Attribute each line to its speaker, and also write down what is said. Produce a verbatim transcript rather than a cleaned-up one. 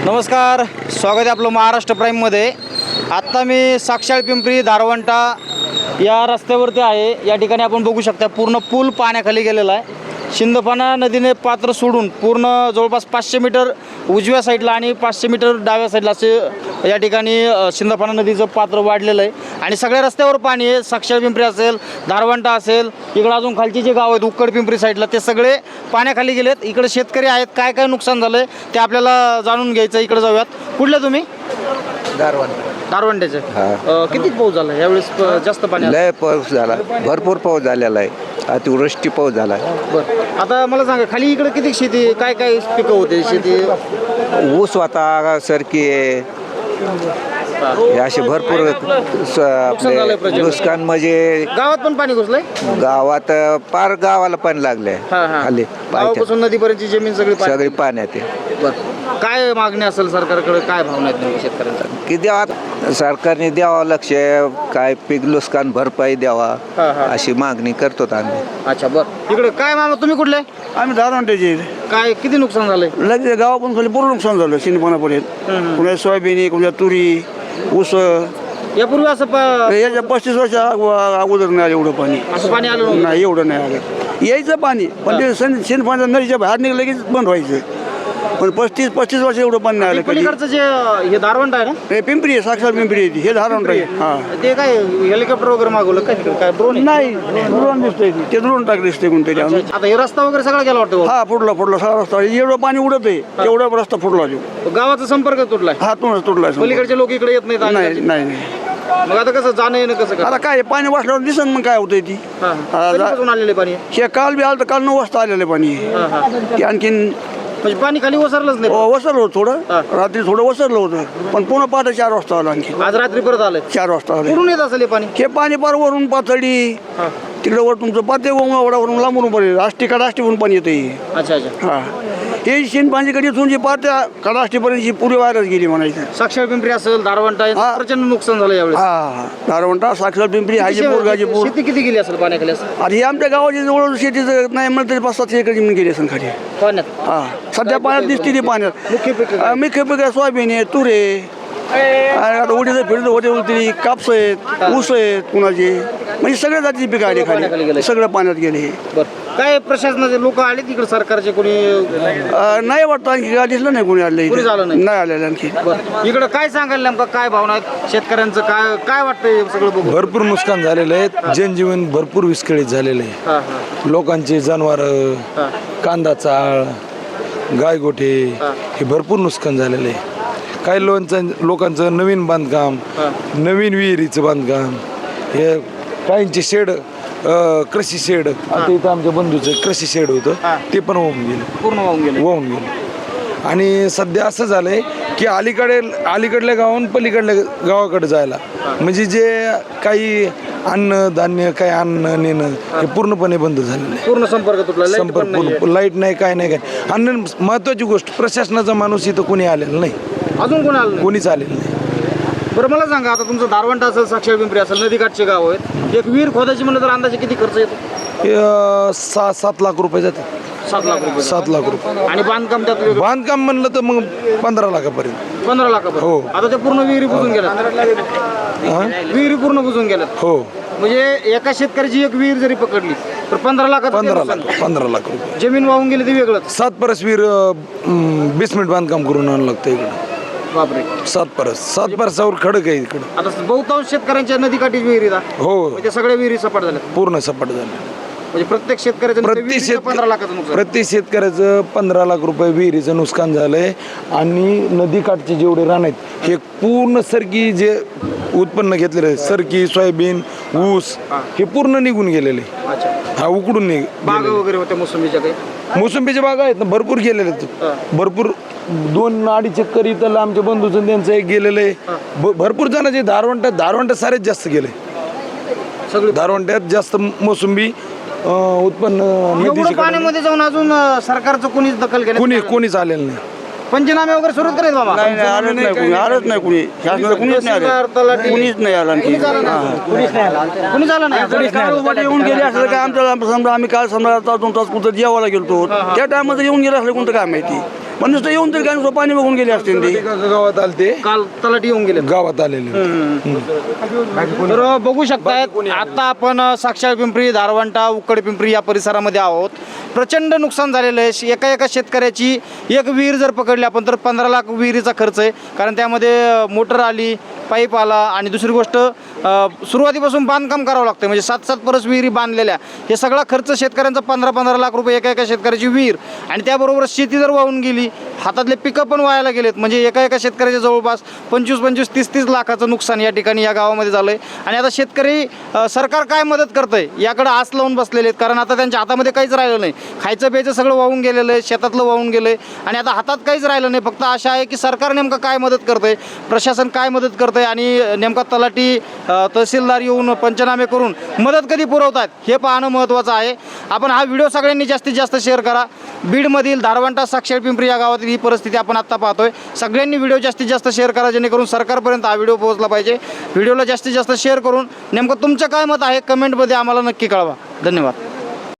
Speaker 1: नमस्कार, स्वागत आहे आपलं महाराष्ट्र प्राईममध्ये। आत्ता मी साक्षाळ पिंपरी धारवंटा या रस्त्यावरती आहे। या ठिकाणी आपण बघू शकता पूर्ण पूल पाण्याखाली गेलेला आहे। शिंदफणा नदीने पात्र सोडून पूर्ण जवळपास पाचशे मीटर उजव्या साईडला आणि पाचशे मीटर डाव्या साईडला असे या ठिकाणी शिंदफणा नदीचं पात्र वाढलेलं आहे आणि सगळ्या रस्त्यावर पाणी आहे। साक्षाळ पिंपरी असेल, धारवंटा असेल, इकडं अजून खालची जे गाव आहेत उक्कड पिंपरी साईडला ते सगळे पाण्याखाली गेलेत। इकडे शेतकरी आहेत, काय काय नुकसान झालं आहे ते आपल्याला जाणून घ्यायचं। इकडे जाऊयात। कुठले तुम्ही?
Speaker 2: धारवंटा
Speaker 1: धारवंट्याचे। किती पाऊस झाला यावेळेस? जास्त पाणी?
Speaker 2: लय पाऊस झाला, भरपूर पाऊस झालेला आहे, अतिवृष्टी पाऊस झाला आहे।
Speaker 1: बरं, आता मला सांगा खाली इकडे किती शेती, काय काय पिकं होते शेती?
Speaker 2: ऊस होता, सरकी आहे, हे असे भरपूर स- आपले नुकसान म्हणजे
Speaker 1: गावात पण पाणी घुसलंय?
Speaker 2: गावात पार गावाला पाणी लागले खाली
Speaker 1: गावापासून नदीपर्यंतची जमीन सगळी पाण्यात?
Speaker 2: सगळी पाण्यात आहे।
Speaker 1: बरं, काय मागणी असेल सरकारकडे, काय भावना आहेत नेमकी शेतकऱ्यांचा?
Speaker 2: की द्यावा, सरकारने द्यावा लक्ष, काय पीक नुकसान भरपाई द्यावा अशी मागणी करतो आम्ही।
Speaker 1: अच्छा, बरं, इकडे काय मामा तुम्ही कुठले?
Speaker 3: आम्ही धारवंट्याचे।
Speaker 1: काय किती नुकसान झालंय?
Speaker 3: लगेच गावातून खाली पूर्ण नुकसान झालं शिंदपणापर्यंत। कुणा सोयाबीन, कुणा तुरी, ऊस।
Speaker 1: यापूर्वी असं प-
Speaker 3: याच्या पस्तीस वर्ष अगोदर नाही आलं एवढं पाणी।
Speaker 1: असं पाणी आलं नव्हतं?
Speaker 3: नाही, एवढं नाही आलं। यायचं पाणी पण ते शिंदपाण्याच्या नदीच्या बाहेर निघलं लगेच बंद व्हायचं। पण पस्तीस पस्तीस वर्ष एवढं पाणी नाही आलं कधी।
Speaker 1: पलीकडचं जे हे धारवंट आहे ना,
Speaker 3: हे पिंपरी आहे, साक्षात पिंपरी आहे ती। हे धारवंट आहे। हा,
Speaker 1: ते काय हेलिकॉप्टर वगैरे मागवलं काय तिकडे? काय ड्रोन?
Speaker 3: नाही, ड्रोन दिसतंय ते। ते ड्रोन टाक दिसतंय कोणतरी।
Speaker 1: आता हे रस्ता वगैरे सगळा गेला वाटतं?
Speaker 3: हा, फुटला फुटला सगळा रस्ता। एवढं पाणी उडत आहे, एवढा रस्ता फुटला तो।
Speaker 1: गावाचा संपर्क तुटलाय?
Speaker 3: हा, तुळस तुटला।
Speaker 1: पलीकडचे लोक इकडे येत नाहीत?
Speaker 3: नाही
Speaker 1: आणि
Speaker 3: नाही नाही।
Speaker 1: मग आता कसं जाणं येणं कसं काय?
Speaker 3: आता काय पाणी वाचल्यावर दिसन मग काय होतंय ती।
Speaker 1: हा, हा. कधीपासून आलेले पाणी?
Speaker 3: हे काल बी आलं तर काल नऊ वाजता आलेलं पाणी।
Speaker 1: हा, हा.
Speaker 3: ते आणखीन
Speaker 1: म्हणजे पाणी खाली ओसरलंच नाही?
Speaker 3: वसरलं होतं थोडं,
Speaker 1: हा.
Speaker 3: रात्री थोडं वसरलं होतं, पण पुन्हा पहाटे चार वाजता आलं आणखी।
Speaker 1: आज रात्री परत आलंय?
Speaker 3: चार वाजता आलं।
Speaker 1: कुठून येत असेल हे पाणी?
Speaker 3: हे पाणी पार वरून पातळी,
Speaker 1: हा.
Speaker 3: तिकडे वर तुमचं पाते वडावरून लांबून पर्यंत आष्टी कडाष्टीवरून पाणी येतं।
Speaker 1: अच्छा अच्छा।
Speaker 3: हा, हे शिन पाणीकडे इथून जी पात्या कडाष्टीपर्यंत पुरी वायरच गेली म्हणायचं।
Speaker 1: साक्षाळ पिंपरी असेल, धारवंटा आहे,
Speaker 3: हा.
Speaker 1: प्रचंड नुकसान झालं यावेळेस।
Speaker 3: हा, धारवंटा, साक्षर पिंपरी, हाजीपूर, गाजीपूर।
Speaker 1: शेती किती गेली असेल पाण्याखाली असं?
Speaker 3: आणि हे आमच्या गावाची जवळ शेतीचं नाही म्हणलं तरी पाच सातशे एकर जमीन गेली असेल खाली।
Speaker 1: पाण्यात?
Speaker 3: हा, सध्या पाण्यात दिसते ती पाण्यात।
Speaker 1: मुख्य पीक
Speaker 3: अं, मुख्य पीक आहे सोयाबीन आहे, तूर आहे, आणि आता उडीचं फिरतं होते उलटी, कापस आहेत, ऊस आहेत कुणाचे, म्हणजे सगळ्या जातीची पिकं आली
Speaker 1: पाण्याखाली गेले.
Speaker 3: खाली, सगळं पाण्यात गेले।
Speaker 1: बरं, काय प्रशासनाचे लोक आले तिकडे सरकारचे कोणी?
Speaker 3: अं, नाही वाटतं आणखी काय दिसलं नाही कोणी आलं
Speaker 1: कोणी झालं नाही?
Speaker 3: नाही आलेलं आणखी।
Speaker 1: बरं, इकडे काय सांगाल नेमकं, काय भावना आहेत शेतकऱ्यांचं? काय काय वाटतंय सगळं बघून?
Speaker 4: भरपूर नुकसान झालेलं आहे, जनजीवन भरपूर विस्कळीत झालेलं आहे।
Speaker 1: हा हा
Speaker 4: लोकांचे जनावर,
Speaker 1: हा.
Speaker 4: कांदा चाळ, गायगोठे
Speaker 1: हा.
Speaker 4: हे भरपूर नुकसान झालेलं आहे। काही लोकांचं लोकांचं नवीन बांधकाम,
Speaker 1: हा.
Speaker 4: नवीन विहिरीचं बांधकाम, हे काहींचे शेड, कृषी शेड, आता इथं आमच्या बंधूचं कृषी शेड होतं
Speaker 1: हा.
Speaker 4: ते पण वाहून गेलं,
Speaker 1: पूर्ण वाहून गेले?
Speaker 4: वाहून गेलं। आणि सध्या असं झालंय की अलीकडे अलीकडल्या गावाहून पलीकडल्या गावाकडे जायला म्हणजे जे काही अन्न धान्य काही अन्न नेणं हे पूर्णपणे बंद झालेलं आहे।
Speaker 1: पूर्ण संपर्क तुटला? लाईट पण
Speaker 4: संपर्क
Speaker 1: नाहीये?
Speaker 4: पूर्ण, लाईट नाही, काय नाही, काय आणि महत्वाची गोष्ट प्रशासनाचा माणूस इथं कोणी आलेला नाही,
Speaker 1: अजून कोण आलं नाही?
Speaker 4: कोणीच आलेलं नाही।
Speaker 1: बरं, मला सांगा, आता तुमचं धारवंटा असेल, साक्षाळ पिंपरी असेल, नदीकाठचे गाव आहेत, एक विहीर खोदायची म्हणलं तर अंदाजे किती खर्च येतो?
Speaker 4: हे, अं, सहा सात लाख रुपये जातात।
Speaker 1: सात लाख रुपये?
Speaker 4: सात लाख रुपये
Speaker 1: आणि बांधकाम त्यात वेगळं?
Speaker 4: बांधकाम म्हणलं तर मग पंधरा लाखापर्यंत।
Speaker 1: पंधरा लाखापर्यंत?
Speaker 4: हो.
Speaker 1: आता ते पूर्ण विहिरी बुजून गेल्यात?
Speaker 4: हा?
Speaker 1: विहिरी पूर्ण बुजून गेल्यात?
Speaker 4: हो,
Speaker 1: म्हणजे एका शेतकऱ्याची एक विहीर जरी पकडली तर पंधरा लाखात
Speaker 4: पंधरा लाख पंधरा लाख रुपये।
Speaker 1: जमीन वाहून गेली ते वेगळंच?
Speaker 4: सात परस वीर बेसमेंट बांधकाम करून आणावं लागतं इकडं।
Speaker 1: बापरे,
Speaker 4: सात परस सात परसावर खडक आहे इकडं।
Speaker 1: आता बहुतांश शेतकऱ्यांच्या नदीकाठी विहिरी दा
Speaker 4: हो,
Speaker 1: म्हणजे सगळ्या विहिरी सपाट झाल्या?
Speaker 4: पूर्ण सपाट झालं।
Speaker 1: म्हणजे प्रत्येक शेतकऱ्याचं
Speaker 4: प्रति
Speaker 1: विहिरीचं
Speaker 4: शेत
Speaker 1: पंधरा लाखाचं नुकसान?
Speaker 4: प्रति शेतकऱ्याचं पंधरा लाख रुपये विहिरीचं नुकसान झालंय। आणि नदीकाठचे जेवढे रान आहेत हे पूर्ण सरकी जे उत्पन्न घेतलेलं आहे, सरकी, सोयाबीन, ऊस, हे पूर्ण निघून गेलेले।
Speaker 1: अच्छा,
Speaker 4: हा, उकडून निघ
Speaker 1: बागा वगैरे होत्या मोसंबीच्या काही?
Speaker 4: मोसंबीच्या बागा आहेत ना, भरपूर गेलेले आहेत, भरपूर दोन अडीच एकर इथं आमच्या बंधूचं त्यांचं एक गेलेलं आहे। भ- भरपूर जणांचे धारवंटात धारवंटात सारेच जास्त गेले,
Speaker 1: सगळी
Speaker 4: धारवंट्यात जास्त मोसंबी अं, उत्पन्न
Speaker 1: एवढं
Speaker 4: नदीच्या कडेने.
Speaker 1: पाण्यामध्ये जाऊन अजून अं, सरकारचं कोणीच दखल घेण्यात
Speaker 4: कोणी
Speaker 1: आलं नाही?
Speaker 4: कोणीच आलेलं नाही।
Speaker 1: पंचनामे वगैरे सुरू करायचं बाबा?
Speaker 3: नाही नाही, आलंच नाही कुणी, आलंच नाही कुणी, शासनाला कुणीच नाही आलं, कुणीच नाही आलं आणखी।
Speaker 1: कुणी झालं नाही? कुणी झालं नाही?
Speaker 3: काल उभाटे येऊन गेले असलं काय आमच्या समजा आम्ही काल समजा आता दोन तास कुठं जेवायला गेलतो त्या टायमात येऊन गेले असलं कोणतं काय माहिती। पण नुसतं येऊन तरी काय नुसतं पाणी बघून गेले असते ते.
Speaker 4: एका गावात आले ते
Speaker 1: काल तलाठी येऊन गेले.
Speaker 4: गावात आलेले
Speaker 1: तर बघू शकतायत आता आपण साक्षाळ पिंपरी, धारवंटा, उक्कड पिंपरी या परिसरामध्ये आहोत. प्रचंड नुकसान झालेलं आहे. एका एका शेतकऱ्याची एक विहीर जर पकडली आपण तर पंधरा लाख विहिरीचा खर्च आहे, कारण त्यामध्ये मोटर आली, पाईप आला आणि दुसरी गोष्ट सुरुवातीपासून बांधकाम करावं लागतं, म्हणजे सात सात परस विहिरी बांधलेल्या. हे सगळा खर्च शेतकऱ्यांचा पंधरा पंधरा लाख रुपये एका एका शेतकऱ्याची विहीर, आणि त्याबरोबर शेती जर वाहून गेली, हातातले पिकं पण वायाला गेलेत. म्हणजे एका एका शेतकऱ्याच्या जवळपास पंचवीस पंचवीस तीस तीस लाखाचं नुकसान या ठिकाणी या गावामध्ये झालं आहे. आणि आता शेतकरी अ, सरकार काय मदत करतं आहे याकडे आस लावून बसलेले आहेत, कारण आता त्यांच्या हातामध्ये काहीच राहिलं नाही. खायचं प्यायचं सगळं वाहून गेलेलं आहे, शेतातलं वाहून गेलं आहे, आणि आता हातात काहीच राहिलं नाही. फक्त आशा आहे की सरकार नेमकं काय मदत करतं आहे, प्रशासन काय मदत करतं आहे, आणि नेमका तलाठी अ, तहसीलदार येऊन पंचनामे करून मदत कधी पुरवतात हे पाहणं महत्त्वाचं आहे. आपण हा व्हिडिओ सगळ्यांनी जास्तीत जास्त शेअर करा. बीडमधील धारवंटा, साक्षाळ पिंपरी या गावातील ही परिस्थिती आपण आत्ता पाहतोय. सगळ्यांनी व्हिडिओ जास्तीत जास्त शेअर करा, जेणेकरून सरकारपर्यंत हा व्हिडिओ पोहोचला पाहिजे. व्हिडिओला जास्तीत जास्त शेअर करून नेमकं तुमचं काय मत आहे कमेंटमध्ये आम्हाला नक्की कळवा. धन्यवाद.